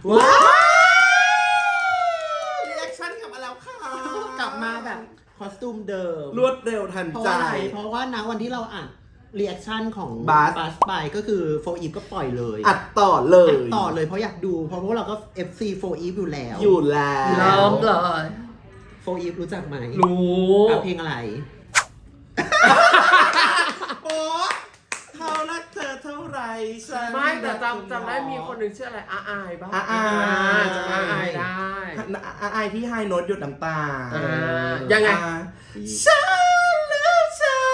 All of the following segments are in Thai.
ว้าวรีแอคชั่นกลับมาแล้วค่ะกลับมาแบบคอสตูมเดิมรวดเร็วทันใจเพราะว่านะวันที่เราอ่านรีแอคชั่นของบัสไปก็คือโฟอีฟก็ปล่อยเลยอัดต่อเลยเพราะอยากดูเพราะพวกเราก็ FC โฟอีฟอยู่แล้วอยู่แล้วเริ่มเลยโฟอีฟรู้จักไหมรู้เพลงอะไรโป๊ะเขารักเธอเท่าไรฉันไม่แต่จำได้มีคนหนึ่งชื่ออะไรอายบ้างอายจำอายได้อายที่ไฮโน้ตหยดน้ำตายังไงฉันลืมเธอ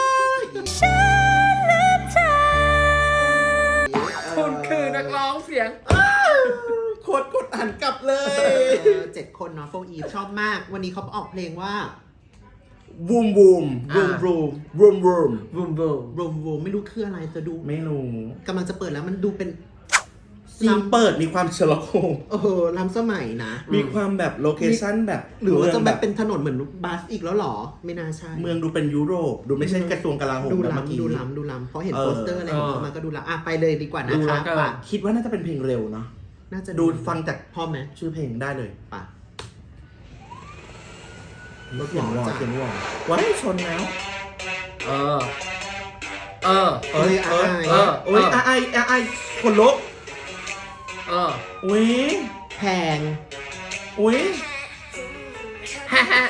คุณคือนักร้องเสียงโคตรกดหันกลับเลย 7 คนเนาะโฟอีฟชอบมาก วันนี้เขาออกเพลงว่าวูมวูมรูมรูมวูมวูมบูมบูมรูมรูมไม่รู้คืออะไรจะดูไม่รู้กำลังจะเปิดแล้วมันดูเป็นซีนเปิดมีความเชลโคงล้ำสมัยนะมีความแบบโลเคชั่นแบบหรือว่าจะมืงแบบเป็นถนนเหมือนบัสอีกแล้วหรอ ไม่น่าใช่เมืองดูเป็นยุโรปดูไม่ใช่กระทรวงกลาโหมดูแบบเมื่อกี้ล้ำเพราะเห็นโปสเตอร์อะไรของเขามาก็ดูล้ำไปเลยดีกว่านะดูแล้คะวกันป่ะคิดว่าน่าจะเป็นเพลงเร็วเนาะน่าจะดูฟังจากพร้อมไหมชื่อเพลงได้เลยป่ะเสียงวอเสียงวอว้ายชนแล้วเออโอ้ยอายคนลุก อุ้ยแพงอุ้ยฮ่าฮ่า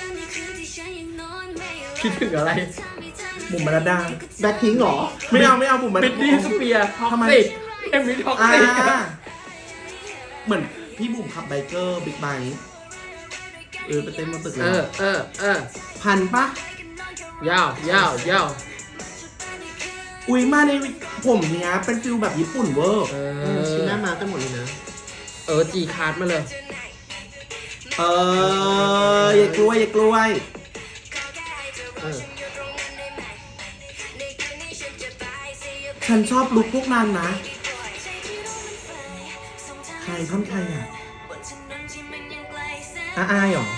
คิดถึงอะไรบุ๋มบรรดาแบ็คพิงค์หรอไม่เอาบุ๋มบรรบิดาดดี้สเปียร์ท็อกทำไมซิกเอ็มวีท็อกซิกเหมือนพี่บุ๋มขับไบเกอร์บิ๊กไบค์ไปเต้นบนตึกเลยพันปะยาวยาวอุ้ยมาในผมเนี้ยเป็นฟิลแบบญี่ปุ่นเวอร์ชิ้นหน้ามากันหมดเลยนะจีคาร์ดมาเลยอย่ากล้วย ฉันชอบลุคพวกนั้นนะ ใครท่อนใครอ่ะอายเหรอ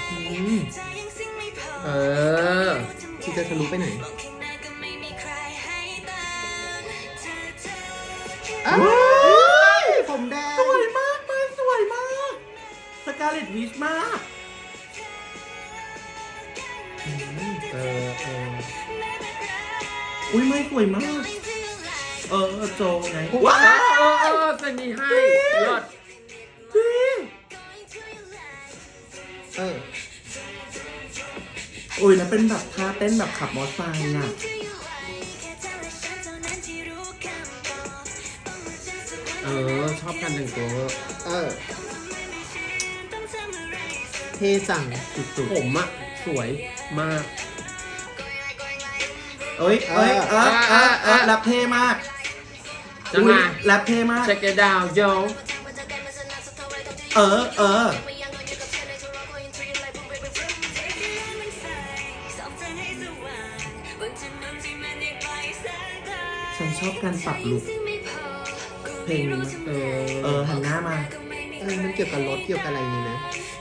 ที่จะทะลุไปไหน ผมแดงสวยมากเลยสวยมากสกาเลตวิชมาก อุ้ยไม่สวยมาก โจไงว้าวเซนีให้ยอดจริงอุ้ยแล้วเป็นแบบท่าเต้นแบบขับมอเตอร์ไซค์น่ะชอบการแต่งตัวเท่จังสุดผมอะสวยมากๆแรปเท่มากจะมาแรปเท่มาก check it out yo ฉันชอบการปรับลุคเพลงนี้หันหน้ามามันเกี่ยวกับรถเกี่ยวกับอะไรนี่นะ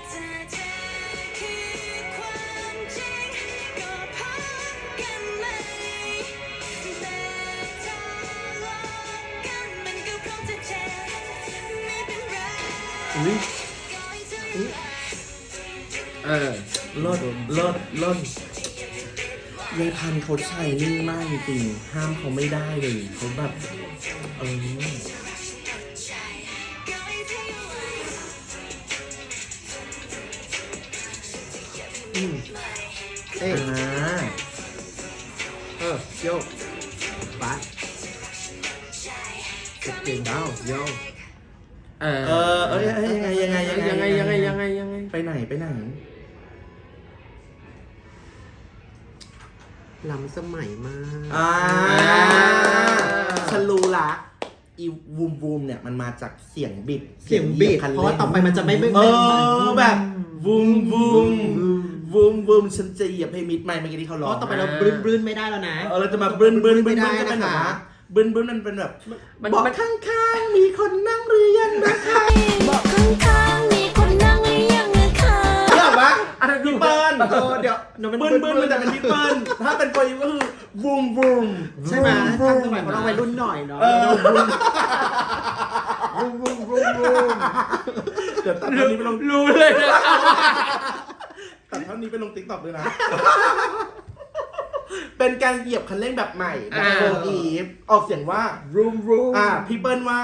อุ้ย เลิศยายพันธุ์เขาใช้นิ่งมากจริงๆห้ามเขาไม่ได้เลยเขาแบบโยกบัสเก่งดาวโยยังไง ไปไหนล้ำสมัยมากฉันรู้ละอีวูมเนี่ยมันมาจากเสียงบิดเพราะว่าต่อไปมันจะไม่แบบวูมฉันจะเหยียบให้มิดไมค์เมื่อกี้ที่เขาร้องเพราะต่อไปเราบลื้นไม่ได้แล้วนะเราจะมาบลื้นไม่ได้จะเป็นนะแบบคะว่าบลื้นมันเป็นแบบบอกข้างๆมีคนนั่งหรือยังนะคะบอกข้างๆมีคนนั่งหรือยังนะคะเดี๋ยววะอะไรพี่เปิ้ลเดี๋ยวเบิ้ลมันจะเป็นพี่เปิ้ลถ้าเป็นโฟก็คือวูมใช่ไหมทำสมัยของเราวัยรุ่นหน่อยเนาะเออบูมเดี๋ยวตัดเท่านี้ไปลงรู้เลยนะครับตัดเท่านี้ไปลงติ๊กต็อกด้วยนะ เป็นการเหยียบคันเร่งแบบใหม่แบบโฟอีฟออกเสียงว่า room พี่เปิ้ลว่า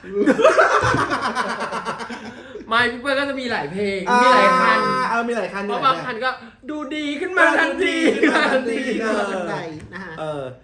ไม่พี่เปิ้ลก็จะมีหลายเพลง มีหลายคันมีหลายคันเพราะบางคันก็ดูดีขึ้นมาทันทีทันทีทันใดนะฮะ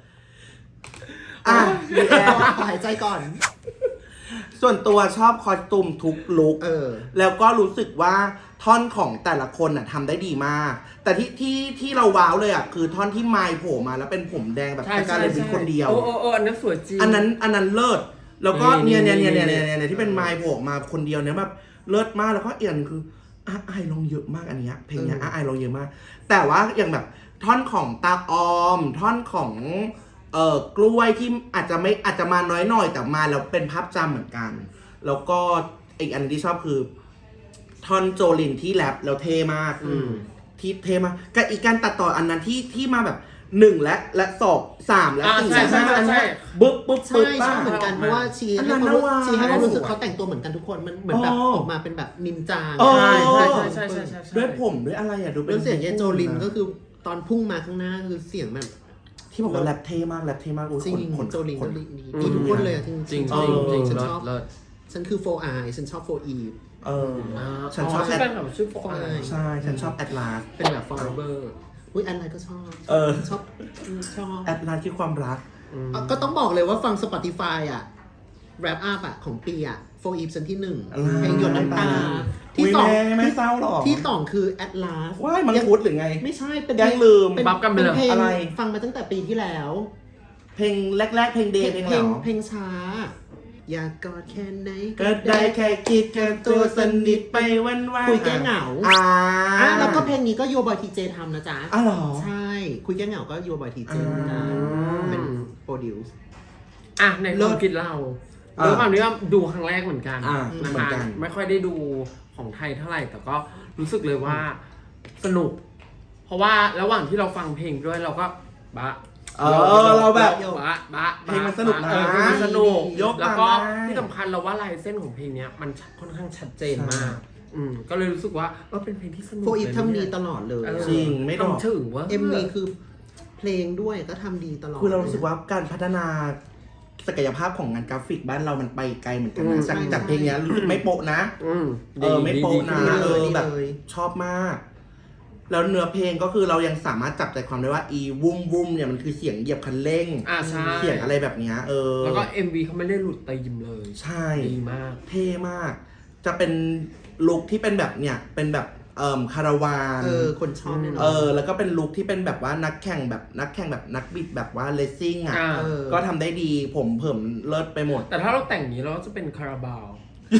มีแอร์ขอหายใจก่อนส่วนตัวชอบคอสตูมทุกลุค แล้วก็รู้สึกว่าท่อนของแต่ละคนทำได้ดีมาก แต่ที่เราว้าวเลยคือท่อนที่ไมค์โผล่มาแล้วเป็นผมแดงแบบสการเลตเป็นคนเดียวโอ้อันนั้นสวยจริงอันนั้นเลิศ แล้วก็นี่เนี่ยที่เป็นไมค์โผล่มาคนเดียวเนี่ยแบบเลิศมากแล้วก็เอียนคือไอลงเยอะมากอันเนี้ยเพลงเนี้ยไอลงเยอะมาก แต่ว่าอย่างแบบท่อนของตาออม ท่อนของกล้วยที่อาจจะมาน้อยหน่อยแต่มาแล้วเป็นภาพจำเหมือนกัน แล้วก็อีกอันที่ชอบคือท่อนโจลินที่แรปแล้วเท่มากที่เท่มากกับอีกการตัดต่ออันนั้นที่มาแบบ1และ2 3และ4และ5อันนี้บึ๊บใช่ชอบเหมือนกันเพราะว่าชี้ให้ความรู้สึกเขาแต่งตัวเหมือนกันทุกคนมันเหมือนแบบออกมาเป็นแบบนินจาใช่ด้วยผมด้วยอะไรดูเป็นแล้วเสียงเยโจลินก็คือตอนพุ่งมาข้างหน้าคือเสียงแบบที่บอกว่าแรปเท่มากจริงคนโจลินก็ดีทุกคนเลยจริงจริงฉันชอบเลิศฉันคือโฟไอฉันชอบโฟอีฉันชอบชื่อแฟนคลับชื่อโฟไอใช่ฉันชอบแอดลาสเป็นแบบฟอร์เบอร์อุ้ยอันไรก็ชอบชอบแอดลาสคือความรักก็ต้องบอกเลยว่าฟัง Spotify แรปอัพของปีโฟอีฟฉันที่1เพลงหยดน้ำตาที่2 ไม่เศร้าหรอที่2คือ Atlas ว้ายมันพูดหรือไงไม่ใช่เป็นยังลืมบัฟกันไปเลยเพลงอะไรฟังมาตั้งแต่ปีที่แล้วเพลงแรกๆเพลงเดย์เพลงช้าอยากกอดแค่ไหนก็ได้แค่คิดกันตัวสนิทไปวันๆคุยแก้เหงาแล้วก็เพลงนี้ก็โยบอยทีเจทำนะจ๊ะหรอใช่คุยแก้เหงาก็โยบอยทีเจนะเป็นโปรดิวส์ในความคิดเราด้วยความที่ว่าดูครั้งแรกเหมือนกันเหนะมือนคะกันไม่ค่อยได้ดูของไทยเท่าไหร่แต่ก็รู้สึกเลยว่าสนุก เพราะว่าระหว่างที่เราฟังเพลงด้วยเราก็เราแบบเพลงมันสนุกนะแล้วก็ที่สำคัญเราว่าลายเส้นของเพลงนี้มันค่อนข้างชัดเจนมากก็เลยรู้สึกว่าเป็นเพลงที่สนุกโฟอีฟทำดีตลอดเลยจริงไม่ต้องถึงว่า MV คือเพลงด้วยก็ทำดีตลอดคือเรารู้สึกว่าการพัฒนาศักยภาพของงานกราฟิกบ้านเรามันไปไกลเหมือนกันนะจากเพลงนี้รู้สึกไม่โปะนะไม่โปะนะแบบชอบมากแล้วเนื้อเพลงก็คือเรายังสามารถจับใจความได้ว่าอีวุ้มเนี่ยมันคือเสียงเหยียบคันเร่งเสียงอะไรแบบนี้แล้วก็ MV เขาไม่ได้หลุดตีมเลยใช่ดีมากเท่มากจะเป็นลุคที่เป็นแบบเนี่ยเป็นแบบคาราวานคนชอบแน่นอนแล้วก็เป็นลุคที่เป็นแบบว่านักแข่งแบบนักบิดแบบว่าเลสซิ่งก็ทำได้ดีผมเผิ่มเลิศไปหมดแต่ถ้าเราแต่งนี้เราจะเป็นคาราบาว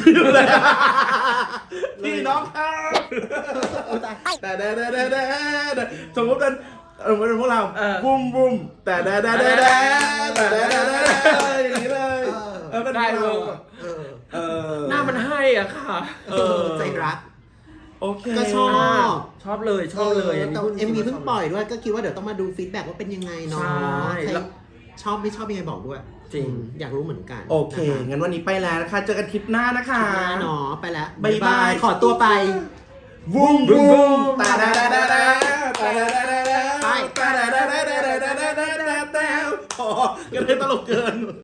พี่น้องครับแต่สมมติเป็นพวกเราบุ้มแต่อย่างนี้เลยได้เลยหน้ามันให้อ่ะค่ะใจรักโอเคก็ชอบเลยแต่MVเพิ่งปล่อยด้วยก็คิดว่าเดี๋ยวต้องมาดูฟีดแบ็กว่าเป็นยังไงเนาะชอบไม่ชอบยังไงบอกด้วยจริงอยากรู้เหมือนกันโอเคงั้นวันนี้ไปแล้วนะคะเจอกันคลิปหน้านะคะเนาะไปแล้วบ๊ายบายขอตัวไปวุ้มตาไปก็เลยตลกเกิน